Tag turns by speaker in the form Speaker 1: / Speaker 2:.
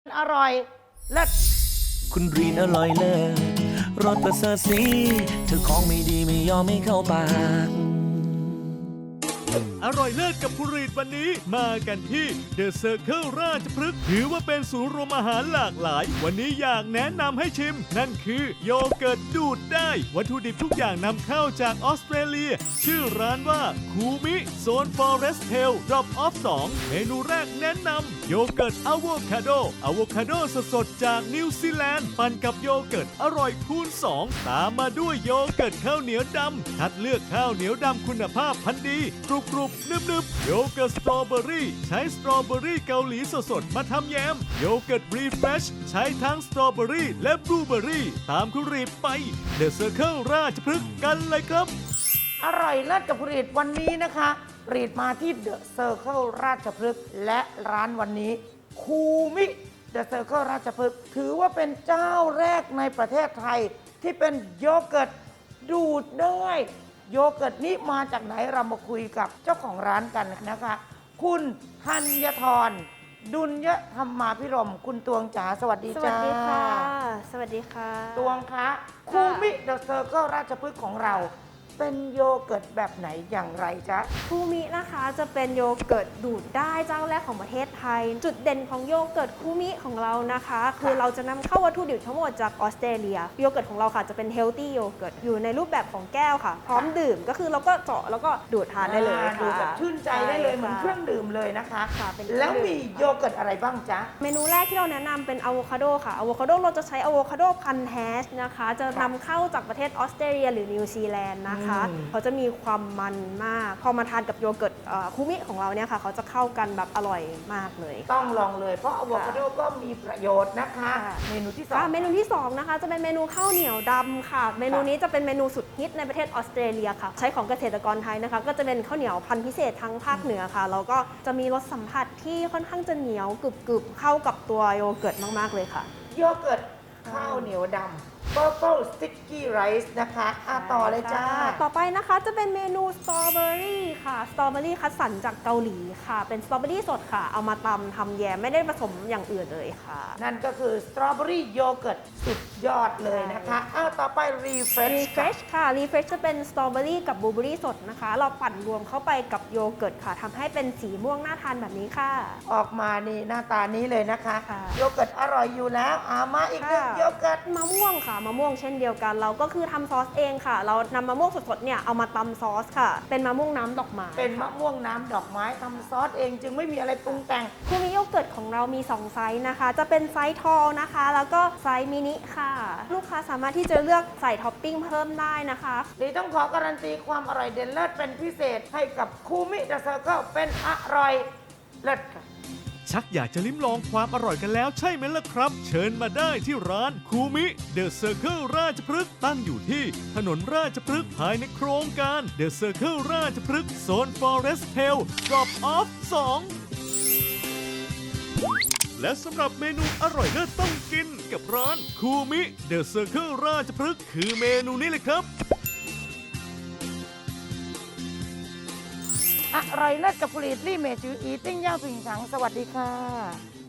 Speaker 1: อร่อยเลิศ
Speaker 2: คุณรีนอร่อยเลิศรสประเสริฐสีเธอของไม่ดีไม่ยอมไม่เข้าปาก
Speaker 3: อร่อยเลิศกับคุณรีดวันนี้มากันที่ The Circle ราชพฤกษ์ถือว่าเป็นศูนย์รวมอาหารหลากหลาย วันนี้อยากแนะนำให้ชิม นั่นคือโยเกิร์ตดูดได้ วัตถุดิบทุกอย่างนำเข้าจากออสเตรเลีย ชื่อร้านว่าคูมิโซน Forest Tail Drop Off 2 เมนูแรกแนะนำโยเกิร์ตอะโวคาโดสดๆจากนิวซีแลนด์ปั่นกับโยเกิร์ตอร่อยคูณ 2 ตามมาด้วยโยเกิร์ตข้าวเหนียวดำคัดเลือกข้าวเหนียวดำคุณภาพพันธุ์ดีกรุบนึบๆโยเกิร์ตสตรอเบอรี่ใช้สตรอเบอรี่เกาหลีสดๆมาทำแยมโยเกิร์ตรีเฟรชใช้ทั้งสตรอเบอรี่และบลูเบอรี่ตามคุณรีดไป The Circle ราชพฤกษ์กันเลยครับ
Speaker 1: อร่อยเลิศกับรีดวันนี้นะคะรีดมาที่เดอะเซอร์เคิลราชพฤกษ์และร้านวันนี้คูมิเดอะเซอร์เคิลราชพฤกษ์ถือว่าเป็นเจ้าแรกในประเทศไทยที่เป็นโยเกิร์ตดูดได้โยเกิร์ตนี้มาจากไหนเรามาคุยกับเจ้าของร้านกันนะคะ คุณธัญธรดุลยธรรมาภิรมย์คุณตวงจ๋าสวัสดี
Speaker 4: ส
Speaker 1: จ้า
Speaker 4: วัสดีค่ะ สวัสดีค่ะ
Speaker 1: ตวงคะคูมิเดอะเซอร์เคิลราชพฤกษ์ของเราเป็นโยเกิร์ตแบบไหนอย่างไรจ๊ะ
Speaker 4: คูมินะคะจะเป็นโยเกิร์ตดูดได้เจ้าแรกของประเทศไทย จุดเด่นของโยเกิร์ตคูมิของเรานะคะ คือเราจะนำเข้าวัตถุดิบทั้งหมดจากออสเตรเลียโยเกิร์ตของเราค่ะจะเป็นเฮลตี้โยเกิร์ตอยู่ในรูปแบบของแก้วค่ะ พร้อมดื่มก็คือเราก็เจาะแล้วก็ดูดทานได้เลยค่ะ
Speaker 1: ดูแบบชื่นใจได้เลยเหมือนเครื่องดื่มเลยนะคะ
Speaker 4: ค่ะเป็นเครื่องดื่ม
Speaker 1: แล้วมีโยเกิร์ตอะไรบ้างจ๊ะ
Speaker 4: เมนูแรกที่เราแนะนำเป็นอะโวคาโดค่ะอะโวคาโดเราจะใช้อะโวคาโดพันธุ์แฮชนะคะ จะนำเข้าจากประเทศออสเตรเลียหรือนิวซีแลนด์นะคะ เขาจะมีความมันมาก พอมาทานกับโยเกิร์ตคูมิของเราเนี่ยค่ะ เขาจะเข้ากันแบบอร่อยมากเลย
Speaker 1: ต้องลองเลยเพราะอะโวคาโดก็มีประโยชน์นะคะ
Speaker 4: ค่ะ
Speaker 1: เมนูที่สอง
Speaker 4: เมนูที่ 2 นะคะ จะเป็นเมนูข้าวเหนียวดำค่ะ เมนูนี้จะเป็นเมนูสุดฮิตในประเทศออสเตรเลียค่ะ ใช้ของเกษตรกรไทยนะคะ ก็จะเป็นข้าวเหนียวพันธุ์พิเศษทั้งภาคเหนือค่ะ แล้วก็จะมีรสสัมผัสที่ค่อนข้างจะเหนียวกรึบๆเข้ากับตัวโยเกิร์ตมากๆเลยค่ะ
Speaker 1: โยเกิร์ตข้าวเหนียวดำ Purple Sticky Rice นะคะต่อเลยจ้า
Speaker 4: ต่อไปนะคะจะเป็นเมนูสตรอเบอรี่ค่ะ สตรอเบอรี่คัดสรรจากเกาหลีค่ะ เป็นสตรอเบอรี่สดค่ะ เอามาตำทำแยมไม่ได้ผสมอย่างอื่นเลยค่ะ
Speaker 1: นั่นก็คือสตรอเบอรี่โยเกิร์ตสุดยอดเลยนะคะต่อไป Refresh
Speaker 4: Refresh ค่ะ Refresh จะเป็นสตรอเบอรี่กับบลูเบอรี่สดนะคะ เราปั่นรวมเข้าไปกับโยเกิร์ตค่ะทำให้เป็นสีม่วงน่าทานแบบนี้ค่ะ
Speaker 1: ออกมานี่หน้าตานี้เลยนะคะ
Speaker 4: ค่ะ
Speaker 1: โยเกิร์ตอร่อยอยู่แล้วมาอีกหนึ่งโยเกิร์ต
Speaker 4: มะม่วงค่ะมะม่วงเช่นเดียวกัน เราก็คือทำซอสเองค่ะ เรานำมะม่วงสดๆเนี่ยเอามาตำซอสค่ะ เป็นมะม่วงน้ำดอกไม้
Speaker 1: เป็นมะม่วงน้ำดอกไม้ทำซอสเองจึงไม่มีอะไรปรุงแต่ง
Speaker 4: คูมิโยเกิร์ตของเรามี 2 ไซส์นะคะ จะเป็นไซส์ทอลนะคะ แล้วก็ไซส์มินิค่ะ ลูกค้าสามารถที่จะเลือกใส่ท็อปปิ้งเพิ่มได้นะคะ
Speaker 1: ดีต้องขอการันตีความอร่อยเด่นเลิศเป็นพิเศษให้กับคูมิเดอะเซอร์เคิลเป็นอร่อยเลิศค่ะ
Speaker 3: ชักอยากจะลิ้มลองความอร่อยกันแล้วใช่ไหมล่ะครับ เชิญมาได้ที่ร้านคูมิเดอะเซอร์เคิลราชพฤกษ์ตั้งอยู่ที่ถนนราชพฤกษ์ภายในโครงการเดอะเซอร์เคิลราชพฤกษ์โซน Forest Tail Drop Off 2 และสำหรับเมนูอร่อยเลิศต้องกินกับร้านคูมิเดอะเซอร์เคิลราชพฤกษ์คือเมนูนี้เลยครับ
Speaker 1: อร่อยเลิศกับผลิตลี่เมจืออีติ้งย่าผิงฉังสวัสดีค่ะ